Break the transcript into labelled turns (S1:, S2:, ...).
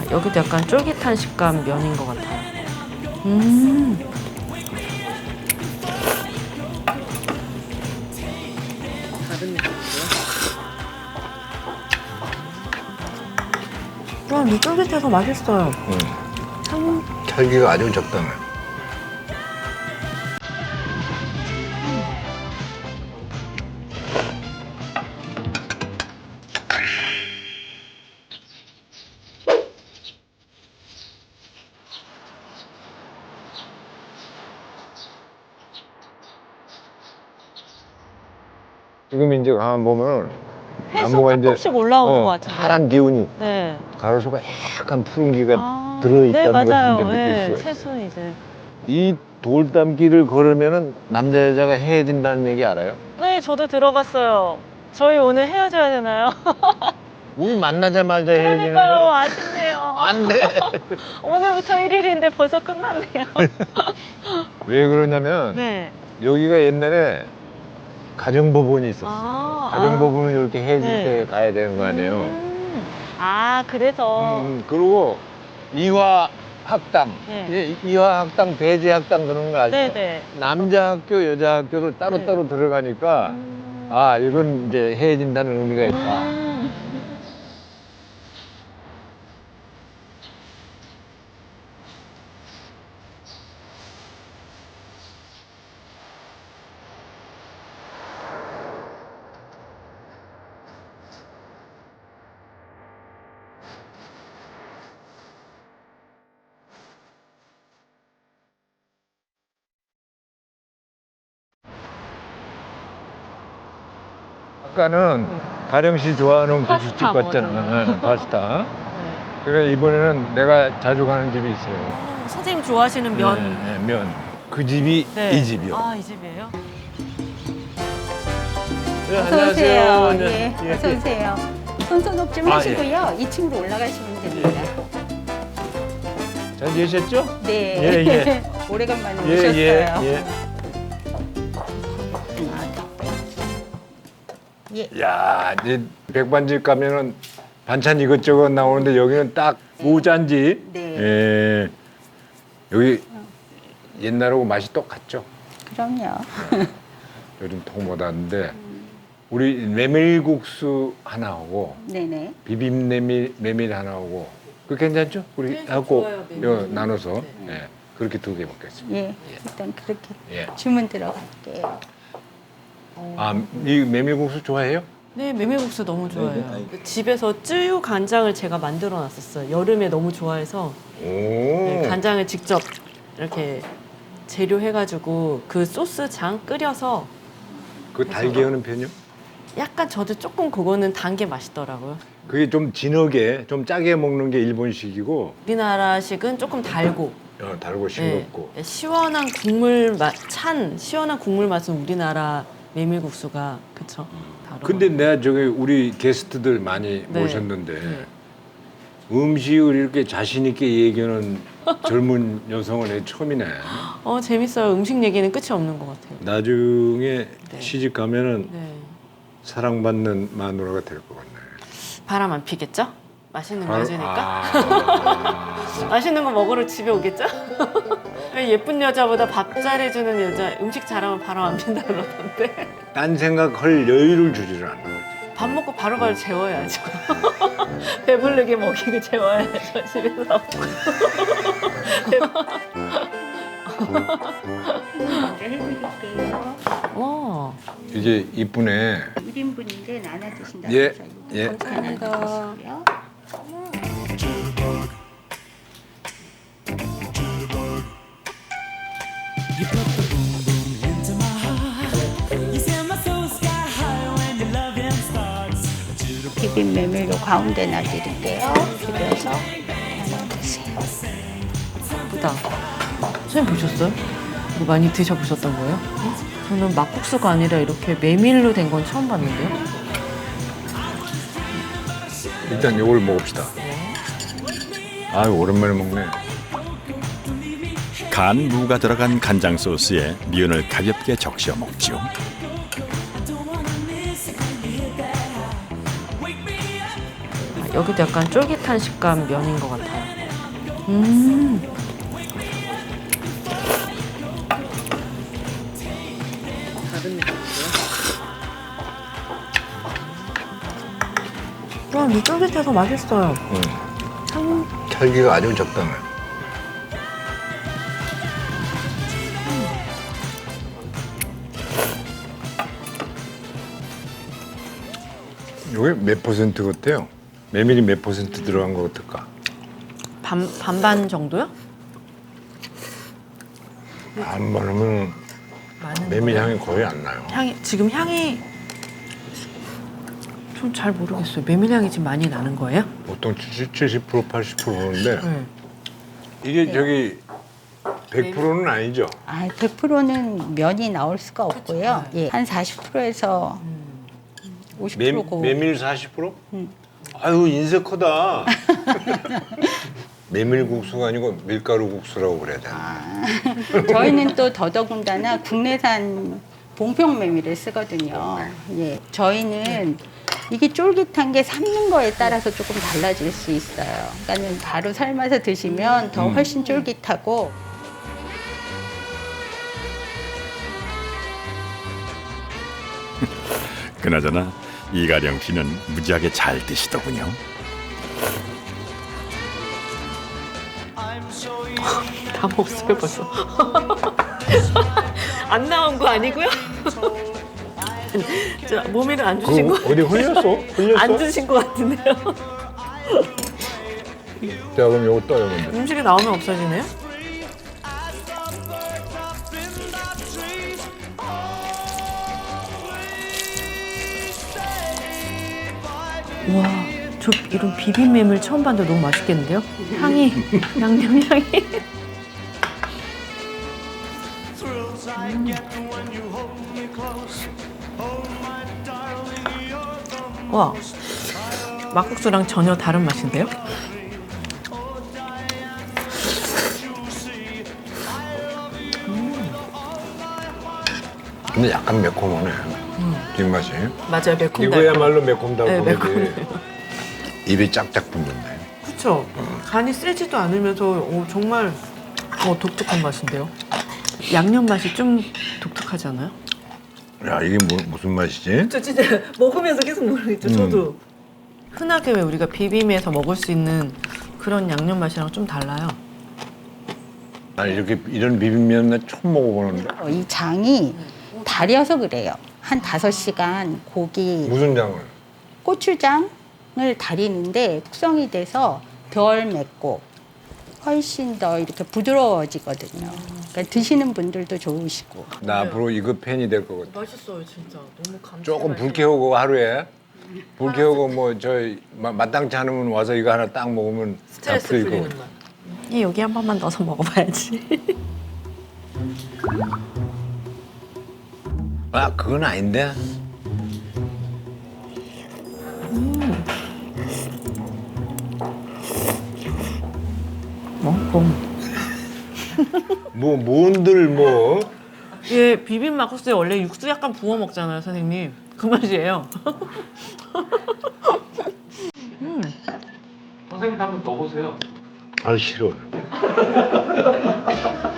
S1: 여기도 약간 쫄깃한 식감 면인 것 같아요. 다른 느낌이요? 이 쫄깃해서 맛있어요.
S2: 찰기가 아주 적당해. 지금 이제 가만 보면
S1: 해서
S2: 나무가 이제
S1: 조금씩 올라오는 것 같은데.
S2: 파란 기운이
S1: 네.
S2: 가로수가 약간 푸른기가
S1: 네,
S2: 들어있다는
S1: 맞아요.
S2: 걸 느낄
S1: 네,
S2: 수가 있어요.
S1: 새순 이제.
S2: 이 돌담길을 걸으면은 남자 여자가 해야 된다는 얘기 알아요?
S1: 네, 저도 들어봤어요. 저희 오늘 헤어져야 되나요?
S2: 우리 만나자마자 해야 되는
S1: 그러니까요,
S2: 거
S1: 아쉽네요.
S2: 안 돼.
S1: 오늘부터 1일인데 벌써 끝났네요.
S2: 왜 그러냐면
S1: 네.
S2: 여기가 옛날에 가정법원이 있었어. 가정법원을 이렇게 해줄
S1: 네.
S2: 때 가야 되는 거 아니에요.
S1: 그래서.
S2: 그리고 이화 학당,
S1: 네.
S2: 이화 학당, 배제 학당 그런 거 아시죠?
S1: 네네.
S2: 남자 학교, 여자 학교를 따로따로 들어가니까 이건 이제 해진다는 의미가 있다. 아까는 가령 씨 좋아하는 고깃집
S1: 파스타
S2: 갔잖아.
S1: 먹었잖아요.
S2: 파스타.
S1: 네.
S2: 그래 이번에는 내가 자주 가는 집이 있어요.
S1: 선생님 좋아하시는 면.
S2: 네, 면. 그 집이
S1: 네.
S2: 이 집이요.
S1: 이 집이에요?
S2: 네,
S3: 어서 오세요. 예,
S2: 예,
S3: 어서
S2: 예.
S3: 오세요. 손소 높 좀
S2: 아,
S3: 하시고요. 2층으로 올라가시면 됩니다.
S2: 잘 계셨죠?
S3: 네.
S2: 예, 예.
S3: 오래간만에
S2: 예,
S3: 오셨어요.
S2: 예,
S3: 예.
S2: 야, 이제 백반집 가면은 반찬 이것저것 나오는데 여기는 딱 무잔지.
S3: 네.
S2: 예. 여기 옛날하고 맛이 똑같죠?
S3: 그럼요.
S2: 요즘 통 못하는데 우리 메밀국수 하나 하고
S3: 네네.
S2: 비빔 메밀 하나 하고 그 괜찮죠? 우리
S1: 네,
S2: 하고
S1: 좋아요, 메밀.
S2: 나눠서 예. 그렇게 2개 먹겠습니다.
S3: 예. 일단 그렇게
S2: 예.
S3: 주문 들어갈게요.
S2: 이 메밀국수 좋아해요?
S1: 네, 메밀국수 너무 좋아해요. 집에서 쯔유 간장을 제가 만들어 놨었어요. 여름에 너무 좋아해서
S2: 오.
S1: 네, 간장을 직접 이렇게 재료 해가지고 그 소스장 끓여서
S2: 그 달게 하는 편이요?
S1: 약간 저도 조금 그거는 단 게 맛있더라고요.
S2: 그게 좀 진하게, 좀 짜게 먹는 게 일본식이고
S1: 우리나라식은 조금 달고
S2: 달고 싱겁고.
S1: 네, 시원한 국물 맛, 시원한 국물 맛은 우리나라 메밀국수가 그쵸? 다르고.
S2: 근데 내가 저기 우리 게스트들 많이
S1: 네.
S2: 모셨는데
S1: 네.
S2: 음식을 이렇게 자신 있게 얘기하는 젊은 여성은 처음이네.
S1: 재밌어요. 음식 얘기는 끝이 없는 것 같아요.
S2: 나중에
S1: 네.
S2: 시집 가면은
S1: 네.
S2: 사랑받는 마누라가 될 것 같네.
S1: 바람 안 피겠죠? 맛있는 거
S2: 바로-
S1: 해주니까? 맛있는 거 먹으러 집에 오겠죠? 예쁜 여자보다 밥 잘해주는 여자, 음식 잘하면 바람 안 핀다 그러던데.
S2: 딴 생각할 여유를 주지를 않아.
S1: 밥 먹고 바로바로 재워야죠. 배부르게 먹이고 재워야죠, 집에서. 와,
S2: 이게 이쁘네.
S3: 1인분인데 나눠 드신다고
S2: 예,
S3: 해서
S2: 예.
S3: 감사합니다. 비빔 메밀로 가운데 놔드릴게요. 비벼서 나눠 드세요.
S1: 예쁘다. 선생님 보셨어요? 이거 많이 드셔보셨던 거예요? 저는 막국수가 아니라 이렇게 메밀로 된 건 처음 봤는데요.
S2: 일단 이걸 먹읍시다. 아유 오랜만에 먹네.
S4: 간 무가 들어간 간장 소스에 면을 가볍게 적셔 먹죠.
S1: 여기도 약간 쫄깃한 식감 면인 것 같아요. 다른 느낌이에요? 와, 이 쫄깃해서 맛있어요. 참
S2: 찰기가 아주 적당해. 이게 몇 퍼센트 같아요? 메밀이 몇 퍼센트 들어간 것 같을까?
S1: 반반 정도요?
S2: 안 바르면
S1: 많은
S2: 메밀
S1: 거예요?
S2: 향이 거의 안 나요.
S1: 지금 향이 좀 잘 모르겠어요. 메밀 향이 지금 많이 나는 거예요?
S2: 보통 70%, 80%인데
S1: 네.
S2: 이게 저기 100%는 아니죠?
S3: 아, 100%는 면이 나올 수가 없고요. 예, 한 40%에서 50%고.
S2: 메밀 40%? 아유 인쇄 커다. 메밀국수가 아니고 밀가루국수라고 그래야 되나?
S3: 저희는 또 더더군다나 국내산 봉평 메밀을 쓰거든요. 예, 저희는 이게 쫄깃한 게 삶는 거에 따라서 조금 달라질 수 있어요. 그러니까는 바로 삶아서 드시면 더 훨씬 쫄깃하고.
S4: 그나저나 이가령 씨는 무지하게 잘 드시더군요.
S1: 다 먹었어요 벌써. 안 나온 거 아니고요? 저 모밀을 안 주신 거
S2: 어디 흘렸어? 흘렸어?
S1: 안 주신 거 같은데요?
S2: 자 그럼 요거 떠요 먼저.
S1: 음식이 나오면 없어지네요? 와, 저 이런 비빔면을 처음 봤는데 너무 맛있겠는데요? 향이, 양념 향이. 와, 막국수랑 전혀 다른 맛인데요?
S2: 근데 약간 매콤하네. 뒷맛이.
S1: 맞아요, 매콤.
S2: 이거야말로 매콤다고
S1: 네,
S2: 그러지.
S1: 매콤해요.
S2: 입이 짝짝 붙는데.
S1: 그렇죠. 간이 세지도 않으면서 정말 독특한 맛인데요. 양념 맛이 좀 독특하지 않아요?
S2: 야 이게 무슨 맛이지?
S1: 저 진짜 먹으면서 계속 모르겠죠. 저도. 흔하게 왜 우리가 비빔에서 먹을 수 있는 그런 양념 맛이랑 좀 달라요.
S2: 나 이렇게 이런 비빔면 나 처음 먹어보는데.
S3: 이 장이 달여서 그래요. 한 5시간 고기,
S2: 무슨 장을?
S3: 고추장을 달이는데 숙성이 돼서 덜 맵고 훨씬 더 이렇게 부드러워지거든요. 그러니까 드시는 분들도 좋으시고.
S2: 나 앞으로 이거 팬이 될 것 같아.
S1: 맛있어요, 진짜. 너무 감칠맛이.
S2: 조금 불 켜고 하루에 불 켜고 뭐 저 마땅치 않으면 와서 이거 하나 딱 먹으면 다
S1: 스트레스
S2: 풀리고.
S1: 풀리는 맛. 여기 한 번만 넣어서 먹어봐야지.
S2: 아 그건 아닌데. 뭐 뭔들 뭐.
S1: 예, 비빔 막국수에 원래 육수 약간 부어 먹잖아요, 선생님. 그 맛이에요.
S5: 선생님 한번 넣어보세요.
S2: 아 싫어.